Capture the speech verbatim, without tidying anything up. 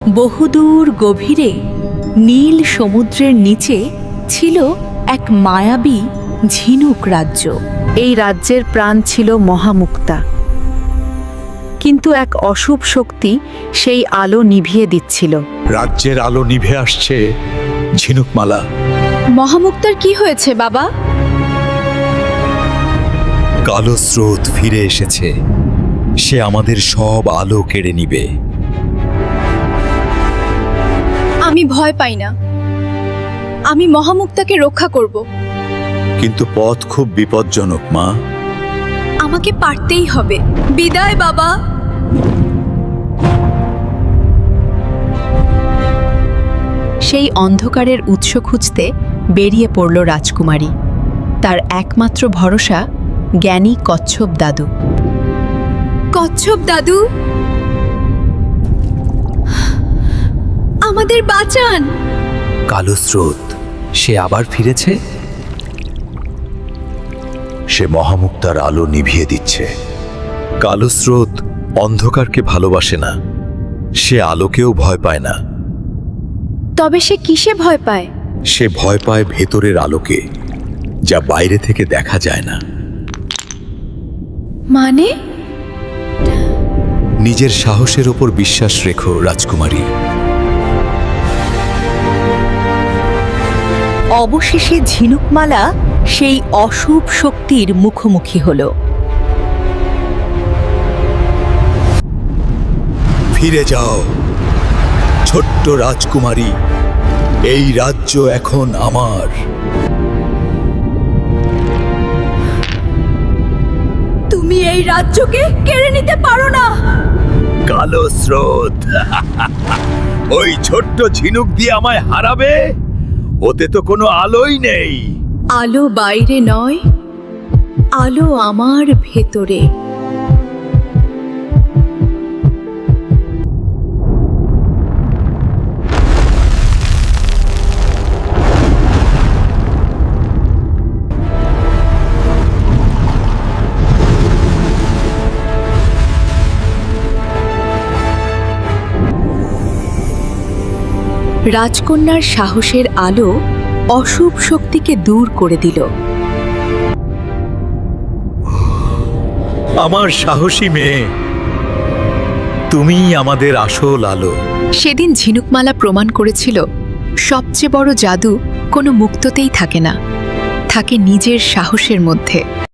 বহুদূর গভীরে নীল সমুদ্রের নিচে ছিল এক মায়াবী ঝিনুক রাজ্য। এই রাজ্যের প্রাণ ছিল মহামুক্তা, কিন্তু এক অশুভ শক্তি সেই আলো নিভিয়ে দিচ্ছিল। রাজ্যের আলো নিভে আসছে ঝিনুকমালা। মহামুক্তার কি হয়েছে বাবা? কালো স্রোত ফিরে এসেছে, সে আমাদের সব আলো কেড়ে নিবে। আমি ভয় পাই না, আমি মহামুক্তাকে রক্ষা করব। কিন্তু পথ খুব বিপজ্জনক মা। আমাকে পারতেই হবে। বিদায় বাবা। সেই অন্ধকারের উৎস খুঁজতে বেরিয়ে পড়ল রাজকুমারী। তার একমাত্র ভরসা জ্ঞানী কচ্ছপ দাদু। কচ্ছপ দাদু, আমাদের বাঁচান। কালো স্রোত, সে আবার ফিরেছে। সে মহামুক্তার আলো নিভিয়ে দিচ্ছে। কালো স্রোত অন্ধকারকে ভালোবাসে না, সে আলোকেও ভয় পায় না। তবে সে কিসে ভয় পায়? সে ভয় পায় ভেতরের আলোকে, যা বাইরে থেকে দেখা যায় না। মানে? নিজের সাহসের ওপর বিশ্বাস রেখো রাজকুমারী। অবশেষে ঝিনুকমালা সেই অশুভ শক্তির মুখোমুখি হল। ফিরে যাও ছোট্ট রাজকুমারী, এই রাজ্য এখন আমার। তুমি এই রাজ্যকে কেড়ে নিতে পারো না। কালো স্রোত, ওই ছোট্ট ঝিনুক দিয়ে আমায় হারাবে? ওতে তো কোনো আলোই নেই। আলো বাইরে নয়, আলো আমার ভেতরে। রাজকন্যার সাহসের আলো অশুভ শক্তিকে দূর করে দিল। আমার সাহসী মেয়ে, তুমিই আমাদের আসল আলো। সেদিন ঝিনুকমালা প্রমাণ করেছিল, সবচেয়ে বড় জাদু কোনো মুক্ততেই থাকে না, থাকে নিজের সাহসের মধ্যে।